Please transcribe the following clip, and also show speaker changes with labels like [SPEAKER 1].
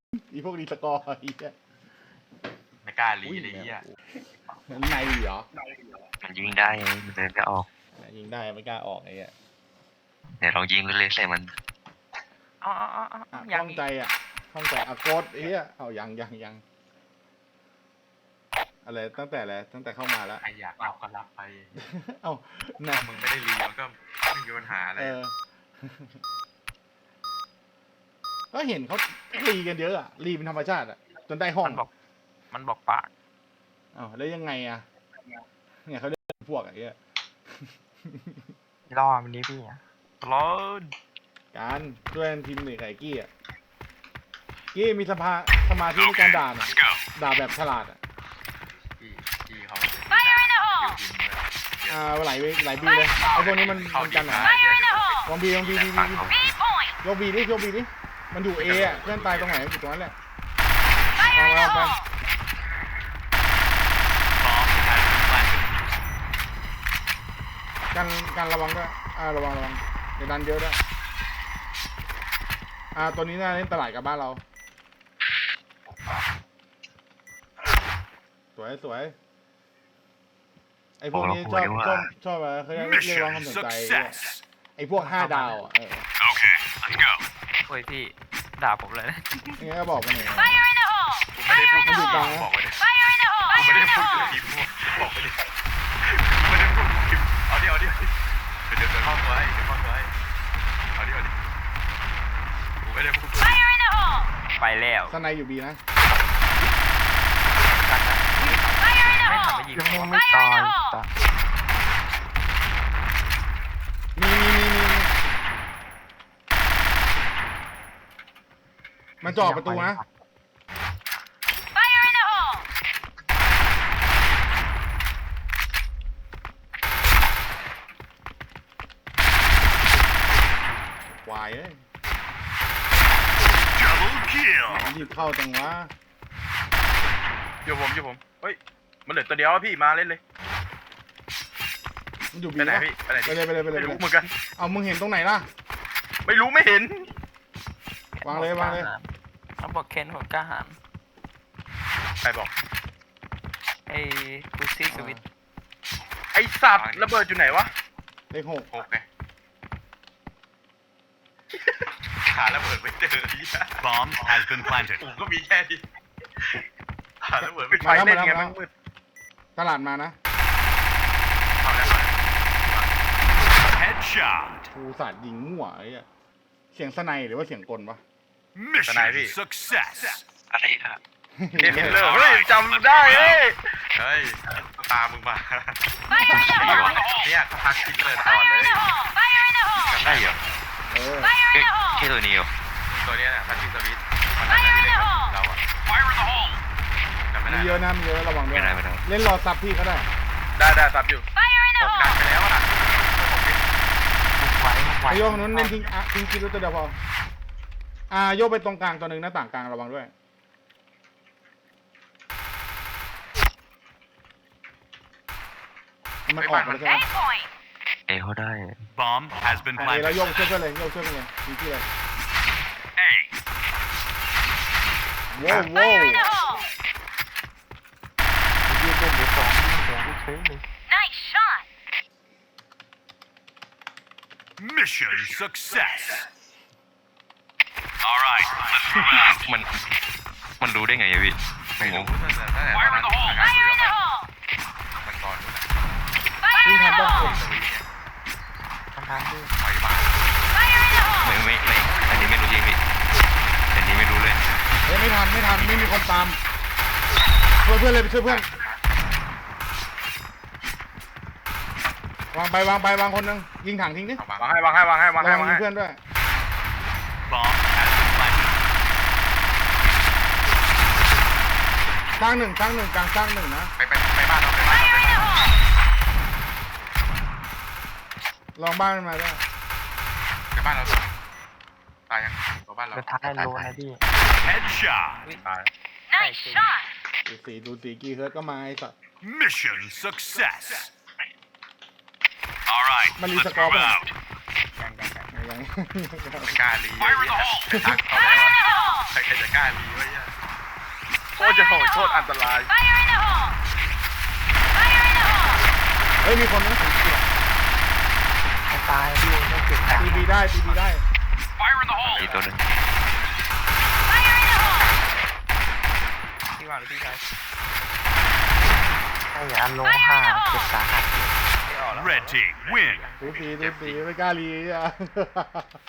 [SPEAKER 1] อีพวกรีสกอร์ไอ้เหี้ย
[SPEAKER 2] ไม่กล้าลีเลยเฮีย
[SPEAKER 1] มันในเหรอ
[SPEAKER 3] มันยิงได้ไงมันเดินก็ออก
[SPEAKER 1] ยิงได้ไม่กล้าออกไอ้เหี้ย
[SPEAKER 3] เดี๋ยวลองยิงเล่นๆใส่มัน
[SPEAKER 2] อ๋อ
[SPEAKER 1] ข้องใจข้องใจโกดไอ้เหี้ยเอายังอะไรตั้งแต่เข้ามาแล้ว
[SPEAKER 2] ใครอยากรับก็รับไป
[SPEAKER 1] เอ้า
[SPEAKER 2] ถ้ามึงไม่ได้ลีมันก็ไม่มีปัญหาอะไร
[SPEAKER 1] ก็เห็นเขารีกันเยอะอะรีเป็นธรรมชาติอะจนได้ห้อง
[SPEAKER 2] มันบอกปาก
[SPEAKER 1] อ้าวแล้วยังไงอะเนี่ยเขาเรียกพวกไอ้เหี้ย
[SPEAKER 2] ล่อมันนี้พี่ร้อน
[SPEAKER 1] การช่วยทีมหนึ่งไก่กี้อะกี้มีสมาธิในการด่าน่ะด่าแบบฉลาดอะ
[SPEAKER 2] พี่เขา
[SPEAKER 1] ไหลบีเลยไอ้พวกนี้มันกันหนาลองบียกบีดิมันอยู่เออะเพื่อนตายตรงไหนอยู่ตรงนั้นแหละวางไปกันระวังด้วยระวังอย่าดันเยอะด้วยตัวนี้น่าเล่นตลาดกับบ้านเราสวยไอ้พวกนี้ชอบอะไรเขาเรียกร้องความสนใจไอ้พวก5 ดาวอ่ะ
[SPEAKER 2] โอ้ยพี่ด่าผมเลยนะ
[SPEAKER 1] นี่ก็บอกมาหน่อย
[SPEAKER 2] ผมไม่ได้พูด
[SPEAKER 1] มันอยู่กลางนะ
[SPEAKER 2] บอกไปดิผมไม่ได้พูดกับทีมบอกไปดิไม่ได้พูดกับทีมเอาดิเดี๋ยวเข้าตัวให้เอาดิผมไม่ได้พูดไปแล้ว
[SPEAKER 1] สไนอยู่บีนะ
[SPEAKER 2] ไม่ทำไปยิงไม่ตาย
[SPEAKER 1] มีมันจ่อประตูนะวายเอ้ยรีบเข้าจังวะ
[SPEAKER 4] อยู่ผมเฮ้ยมันเหลือตัวเดียวพี่มาเล่นเลย
[SPEAKER 1] มันอยู่บี
[SPEAKER 4] ไปไหน
[SPEAKER 1] ปะ
[SPEAKER 4] พี่ไปไหน
[SPEAKER 1] ไปเลย
[SPEAKER 4] ไม่รู้เหมือนกัน
[SPEAKER 1] เอามึงเห็นตรงไหนล่ะ
[SPEAKER 4] ไม่รู้ไม่เห็น
[SPEAKER 1] วางเลย
[SPEAKER 2] เขาบอกเคนหัวกล้าหาร
[SPEAKER 4] ใครบอก
[SPEAKER 2] ไอ้กูซี่สวิต
[SPEAKER 4] ไอสัตว์ระเบิดอยู่ไหนวะ
[SPEAKER 1] เลข
[SPEAKER 4] 6ไงหาระเบิดไม่เจอ
[SPEAKER 5] Bomb has been planted.
[SPEAKER 4] ผมก็มีแค่นี้หาระเบิดไม่ไฟเล่นไงมันมืด
[SPEAKER 1] 6ตลาดมานะ
[SPEAKER 4] เอาแล้ว
[SPEAKER 5] Headshot.
[SPEAKER 1] กูสาดยิงมั่วไอ้เหี้ยเสียงสไนหรือว่าเสียงกลวะ
[SPEAKER 5] Mission success.
[SPEAKER 3] อะไรอะ
[SPEAKER 4] เห็นเลยเฮ้ยจำได้เฮ้ยตามมึงมาเนี่ยเขาพักคิดเลยก่อนเลย
[SPEAKER 3] จำได้เหรอ แค่ตัวนี้เหรอ
[SPEAKER 4] ตัวนี้เนี่ยพักคิดสวิตมันน่าจะไม่ได้เราอะจำไม่
[SPEAKER 1] มี
[SPEAKER 4] ได้
[SPEAKER 1] เยอะนะมีเยอะระวังด้วย
[SPEAKER 3] ไม่ได้
[SPEAKER 1] เล่นรอซับพี่ก็ได้
[SPEAKER 4] ได้ซับอยู่ผมดันไปแล้วนะ
[SPEAKER 1] ไอโยกนู้นเล่นทิ้งคิดตัวเดียวพอโยกไปตรงกลางตัวหนึ่งหน้าต่างกลางระวังด้วยมันออกมาใช่ไหม
[SPEAKER 3] เอ้เขาได้
[SPEAKER 5] Bomb has been
[SPEAKER 1] แล้ว
[SPEAKER 5] planted.
[SPEAKER 1] โยกช่วยเพื่อนเลยโยกช่วยเพื่อนเลยทิ้งที่เลยว้าวยืดเต้นเดี๋ยว2หัวกูเฉยเลย
[SPEAKER 5] Mission success. All right, let's move out.
[SPEAKER 3] มันรู้ได้ไงอะพี่
[SPEAKER 4] ไม่
[SPEAKER 3] ง
[SPEAKER 4] รู้
[SPEAKER 3] ง
[SPEAKER 4] ตั้งแต่มันก่อน
[SPEAKER 1] วิ่งทันป่ะ
[SPEAKER 2] ทำด้วย
[SPEAKER 4] ถอยมา
[SPEAKER 3] ไม่อันนี้ไม่รู้จริงพี่อันนี้ไม่รู้เลย
[SPEAKER 1] ไม่ทันไม่มีคนตามช่วยเพื่อนเลยไปช่วยเพื่อนวางคนนึงยิงถังทิ้งดิ
[SPEAKER 4] วางให้
[SPEAKER 1] ระวังยิงเพื่อนด้วย
[SPEAKER 5] Bomb has been planted.
[SPEAKER 1] สร้างหนึ่งกลางสร้างหนึ่งนะ
[SPEAKER 4] ไปบ้านเรา
[SPEAKER 1] ลองบ้านมันมาด้วย
[SPEAKER 4] ไปบ้านเราตายยังตัวบ้านเรา
[SPEAKER 2] สุดท้ายโลนะพี่
[SPEAKER 5] Headshot.
[SPEAKER 4] ตาย
[SPEAKER 1] ดูสีกี่เฮิร์ตก็มาไอ้สัตว์
[SPEAKER 5] Mission success. All right,
[SPEAKER 1] Mali
[SPEAKER 5] let's
[SPEAKER 1] sa
[SPEAKER 5] move
[SPEAKER 1] cover.
[SPEAKER 5] out.
[SPEAKER 1] ยัง
[SPEAKER 4] กล้าลี
[SPEAKER 5] Fire in the hole.
[SPEAKER 4] เขาแล้ว
[SPEAKER 2] ใครจะกล้าลีวะเนี่ยโคตรจะโหดโคตรอันตราย
[SPEAKER 1] เฮ้ยมีคนนั่งถึงตัว
[SPEAKER 6] ตายพี่ไม่เก็บตัง
[SPEAKER 1] ตี
[SPEAKER 6] ค์
[SPEAKER 1] บีได้ตีบีได้
[SPEAKER 3] อีกตัวหนึง
[SPEAKER 4] พี่วางหรือพี่ชาย
[SPEAKER 6] ไอ้ยาลงห่าเจ็บสาหัส
[SPEAKER 5] Red team win.
[SPEAKER 1] ตีไม่กล้ารีอ่ะ